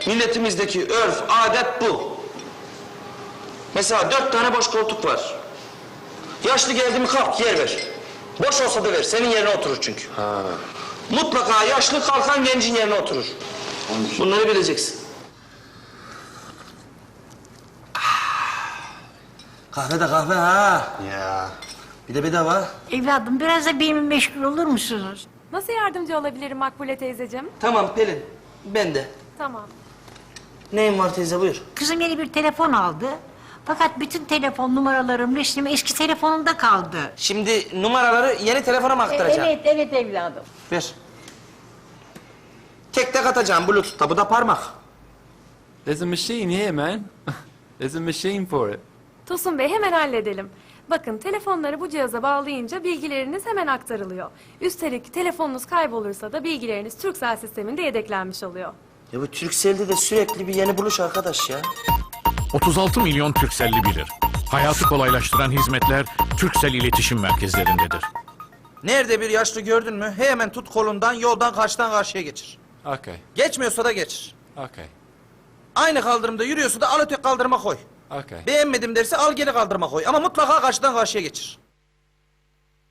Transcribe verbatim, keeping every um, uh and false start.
Milletimizdeki örf, adet bu. Mesela dört tane boş koltuk var. Yaşlı geldi mi kalk yer ver. Boş olsa da ver, senin yerine oturur çünkü. Ha. Mutlaka yaşlı kalkan gencin yerine oturur. Bunları bileceksin. Kahve de kahve ha. Ya. Bir de bedava. Evladım biraz da benimle meşgul olur musunuz? Nasıl yardımcı olabilirim Makbule teyzeciğim? Tamam Pelin, ben de. Tamam. Neyin var teyze buyur. Kızım yeni bir telefon aldı. Fakat bütün telefon numaralarım, resmim eski telefonunda kaldı. Şimdi numaraları yeni telefona mı aktaracaksın? Evet, evet evladım. Ver. Tek tek atacağım Bluetooth'ta, bu da parmak. There's a machine here, man. There's a machine for it. Tosun Bey hemen halledelim. Bakın telefonları bu cihaza bağlayınca bilgileriniz hemen aktarılıyor. Üstelik telefonunuz kaybolursa da bilgileriniz Turkcell sisteminde yedeklenmiş oluyor. Ya bu Turkcell'de de sürekli bir yeni buluş arkadaş ya. otuz altı milyon Turkcell'li bilir. Hayatı kolaylaştıran hizmetler Turkcell iletişim merkezlerindedir. Nerede bir yaşlı gördün mü hemen tut kolundan yoldan karşıdan karşıya geçir. Okay, Geçmiyorsa da geçir. okay, Aynı kaldırımda yürüyorsa da al öteki kaldırıma koy. okay. Beğenmedim derse al geri kaldırıma koy ama mutlaka karşıdan karşıya geçir.